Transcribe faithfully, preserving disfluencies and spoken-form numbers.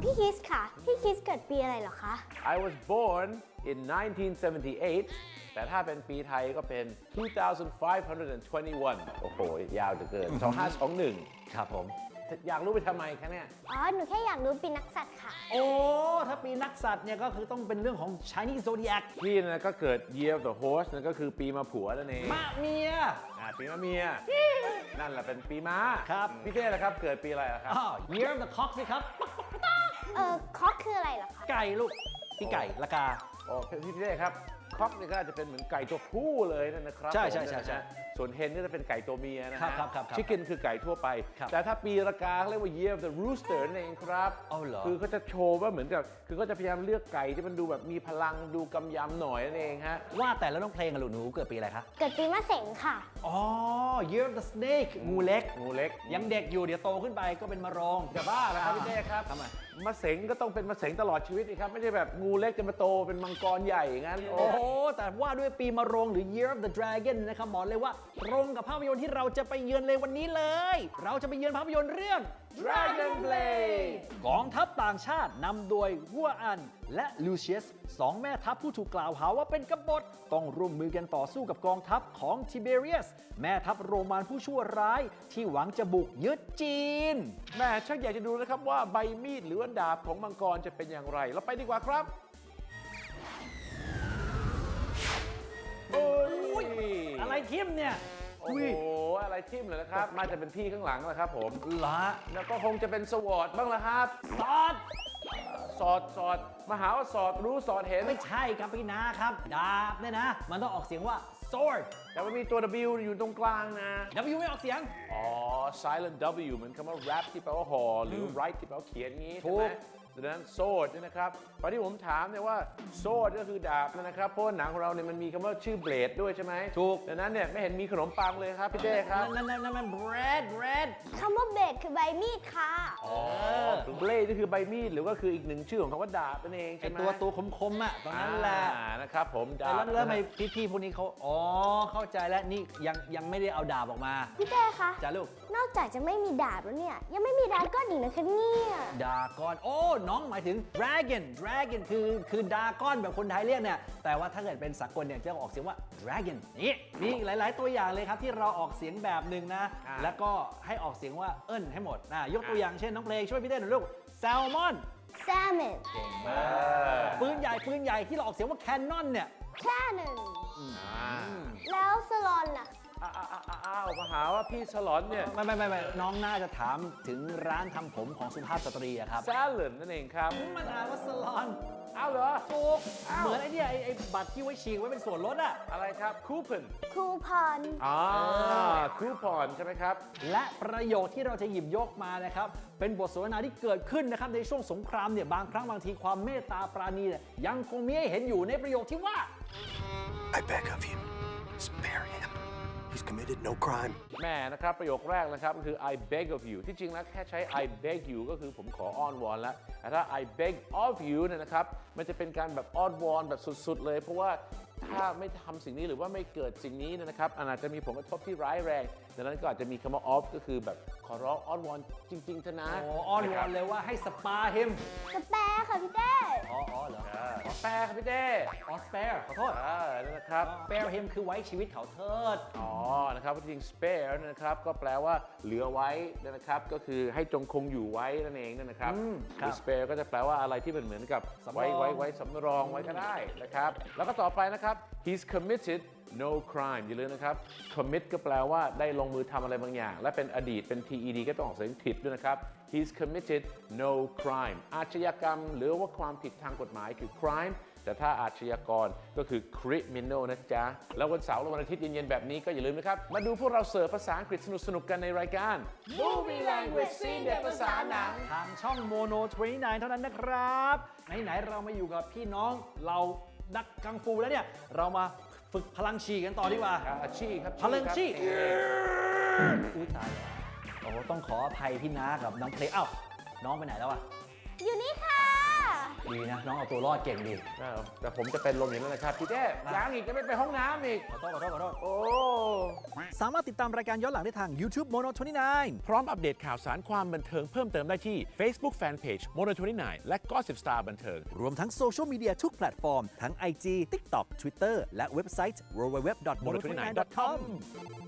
พี่คริสค่ะพี่คริสเกิดปีอะไรเหรอคะ I was born in nineteen seventy-eight แต่ถ้าเป็นปีไทยก็เป็น two thousand five hundred twenty-one โอ้โห ยาวจะเกิน สองห้าสองหนึ่งครับผมอยากรู้ไปทำไมคะเนี่ยอ๋อ หนูแค่อยากรู้ปีนักสัตว์ค่ะโอ้ ถ้าปีนักสัตว์เนี่ยก็คือต้องเป็นเรื่องของ Chinese Zodiac พี่นะก็เกิด Year of the Horse นั่นก็คือปีมาผัวนั่นเองมะเมียอ่าปีมะเมีย นั่นแหละเป็นปีม้าครับพี่เต้ล่ะครับ เกิดปีอะไรล่ะครับอ้าว Year of the Cock สิครับเออคอกคืออะไรเหรอคะไก่ลูก พี่ไก่ละกาอ๋อพี่เต้ครับคอกนี่ก็อาจจะเป็นเหมือนไก่ตัวผู้เลยนั่นนะครับใช่ใช่ผมใช่ใช่นะฮะส่วนเฮนก็จะเป็นไก่ตัวเมียนะครัฮะบครับครับครับชิคเก้นคือไก่ทั่วไปครับแต่ถ้าปีละกาเขาเรียกว่า Year of the Rooster นั่นเองครับเอาเหรอคือเขาจะโชว์ว่าเหมือนกับคือก็จะพยายามเลือกไก่ที่มันดูแบบมีพลังดูกำยำหน่อยนั่นเองฮะว่าแต่แล้วน้องเพลงอะลูกหนูเกิดปีอะไรคะเกิดปีมะเสงค่ะอ๋อ Year of the Snake งูเล็กงูเล็กยังเด็กอยู่เดี๋ยวโตขึ้นไปก็เป็นมะโรงจะบ้าแล้วครับพี่เต้ครับทำไมมะเสงก็ต้องเป็นมะเสงตลอดชีวิตนี่ครับไม่ใช่แบบงูเล็กจะมาโตเป็นมังกรใหญ่อย่างนั้นโอ้โห แต่ว่าด้วยปีมะโรงหรือ Year of the Dragon นะครับบอกเลยว่าตรงกับภาพยนตร์ที่เราจะไปเยือนเลยวันนี้เลย เราจะไปเยือนภาพยนตร์เรื่อง Dragon Blade กองทัพต่างชาตินำโดยฮัวอันและลูเชียสสองแม่ทัพผู้ถูกกล่าวหาว่าเป็นกบฏต้องร่วมมือกันต่อสู้กับกองทัพของทิเบเรียสแม่ทัพโรมันผู้ชั่วร้ายที่หวังจะบุกยึดจีนแม่ชักอยากจะดูนะครับว่าใบมีดหรือว่าดาบของมังกรจะเป็นอย่างไร เราไปดีกว่าครับโอ้ยอะไรทิมเนี่ยโอ้โหอะไรทิ่มเลยนะครับ มาจะเป็นพี่ข้างหลังแล้วครับผมละแล้วก็คงจะเป็นสวอตบ้างละครับซอดสอดสอดมาหาว่าสอดรู้สอดเห็นไม่ใช่ครับพี่นาครับ ดาบเนี่ยนะ มันต้องออกเสียงว่า sword แต่ว่ามีตัว W อยู่ตรงกลางนะ W ไม่ออกเสียงอ๋อ silent W เหมือนคำว่า rap ที่แปลว่าห่อหรือ write ที่แปลว่าเขียนงี้ถูใช่กไหมดังนั้น sword เนี่ยนะครับตอนที่ผมถามเนี่ยว่า sword ก็คือดาบนะครับเพราะว่าหนังของเราเนี่ยมันมีคำว่าชื่อ blade ด้วยใช่ไหมถูกดังนั้นเนี่ยไม่เห็นมีขนมปังเลยครับพี่เต้ครับนั่นนั่นนั่นมัน bread bread คำว่าเบดคือใบมีดค่ะอ๋อ blade ก็คือใบมีดหรือว่าคืออีกหนึ่งชื่อของคำว่าดาบนั่นเองไอใช่ไหมตัวตัวคมๆอ่ะตรงนั้นแหละอ่านะครับผมดาแล้บวแล้วทำไมพี่ๆพวกนี้เขาอ๋อ เข้าใจแล้วนี่ยังยังไม่ได้เอาดาบออกมาพี่เต้คะจ้าลูกนอกจากจะไม่มีดาบแล้วเนี่ย ยังไม่มีดราก้อนอีกนะคะเนี่ยดากอน โอ้ น้องหมายถึง dragon dragon คือคือดากอนแบบคนไทยเรียกเนี่ย แต่ว่าถ้าเกิดเป็นสากลเนี่ยจะออกเสียงว่า dragon นี่มีอีกหลาย ๆ ตัวอย่างเลยครับที่เราออกเสียงแบบหนึ่งนะอ่าแล้วก็ให้ออกเสียงว่าเอิ้นให้หมดนะยกตัวอย่างเช่นน้องเพลงช่วยพี่เต้หน่อยลูก salmon salmon ปืนใหญ่ปืนใหญ่ที่เราออกเสียงว่า cannon เนี่ย cannon อ่าแล้วสลอนล่ะอ้าวอ้าวอ้าวอ้าวมาหาว่าพี่ฉลอนเนี่ยไม่ไม่ไม่ไม่น้องน่าจะถามถึงร้านทำผมของสุภาพสตรีอะครับ salad นั่นเองครับมันอ่านว่าสลอนอ้าวเหรอถูกเหมือนไอ้เนี่ยไอ้ไอ้บัตรที่ไว้ฉีกไว้เป็นส่วนลดอะอะไรครับ coupon คูพอนอ่า coupon ใช่ไหมครับและประโยคที่เราจะหยิบยกมานะครับ เป็นบทสนทนาที่เกิดขึ้นนะครับในช่วงสงครามเนี่ยบางครั้งบางทีความเมตตาปราณีเนี่ยยังคงมีให้เห็นอยู่ในประโยคที่ว่า I beg of you, spare him. He's committed no crime. แม่นะครับประโยคแรกนะครับก็คือ I beg of you ที่จริงแล้วแค่ใช้ I beg you ก็คือผมขออ้อนวอนแล้วแต่ถ้า I beg of you เนี่ยนะครับมันจะเป็นการแบบอ้อนวอนแบบสุดๆเลยเพราะว่าถ้าไม่ทำสิ่งนี้หรือว่าไม่เกิดสิ่งนี้เนยนะครับอาจจะมีผลกระทบที่ร้ายแรงดังนั้นก็อาจจะมีคำว่า of ก็คือแบบขอร้องอ้อนวอนจริงๆเถอะนะโอ้อ้อนวอนเลยว่าให้สปาฮิมสแปร์ค่ะพี่เต้อ๋ออ๋อเหรอขอแปลครับพี่เต้อ๋อ spare ขอโทษอ่านั่นนะครับ spare him คือไว้ชีวิตเขาเทิดอ๋อ นะครับจริง spare นะครับ ก็แปลว่าเหลือไว้นะครับ ก็คือให้จงคงอยู่ไว้นั่นเองนะครับอืมหครัรืบอ spare ก็จะแปลว่าอะไรที่มันเหมือนกับสำรองไว้ไว้ไว้สำรองไว้ก็ได้นะครับ แล้วก็ต่อไปนะครับ he's committed no crime อย่าลืมนะครับ commit ก็แปลว่าได้ลงมือทำอะไรบางอย่าง และเป็นอดีตเป็น ted ก็ต้องออกเสียงผิดด้วยนะครับ he's committed no crime อาชญากรรมหรือว่าความผิดทางกฎหมายคือ crime แต่ถ้าอาชญากรก็คือ criminal นะจ๊ะ แล้ววันเสาร์และวันอาทิตย์เย็นๆแบบนี้ก็อย่าลืมนะครับ มาดูพวกเราเสิร์ฟภาษาอังกฤษสนุกๆกันในรายการ Movie Language ซีนเด็ดภาษาหนังทางช่องโมโนยี่สิบเก้าเท่านั้นนะครับ ไหน ๆ เรามาอยู่กับพี่น้องเรานักกังฟูแล้วเนี่ย เรามาฝึกพลังชีกันต่อดีกว่าอาชีพครับพลังชีครับอุ้ยตายแล้วโอ้โหต้องขออภัยพี่น้ากับน้องเพลงเอ้าน้องไปไหนแล้วอะอยู่นี่ค่ะดีนะ น้องเอาตัวรอดเก่งดีอ้าวแต่ผมจะเป็นลมอย่างนั้นนะครับพี่เต้ยังอีกจะไม่ไปห้องน้ำอีกขอโทษขอโทษขอโทษโอ้สามารถติดตามรายการย้อนหลังได้ทาง YouTube Mono ยี่สิบเก้าพร้อมอัปเดตข่าวสารความบันเทิงเพิ่มเติมได้ที่ Facebook Fanpage Mono ยี่สิบเก้า และ Gossip Star บันเทิงรวมทั้งโซเชียลมีเดียทุกแพลตฟอร์ม ทั้ง ไอ จี TikTok Twitter และเว็บไซต์ ดับเบิลยู ดับเบิลยู ดับเบิลยู ดอท โมโน ยี่สิบเก้า ดอท คอม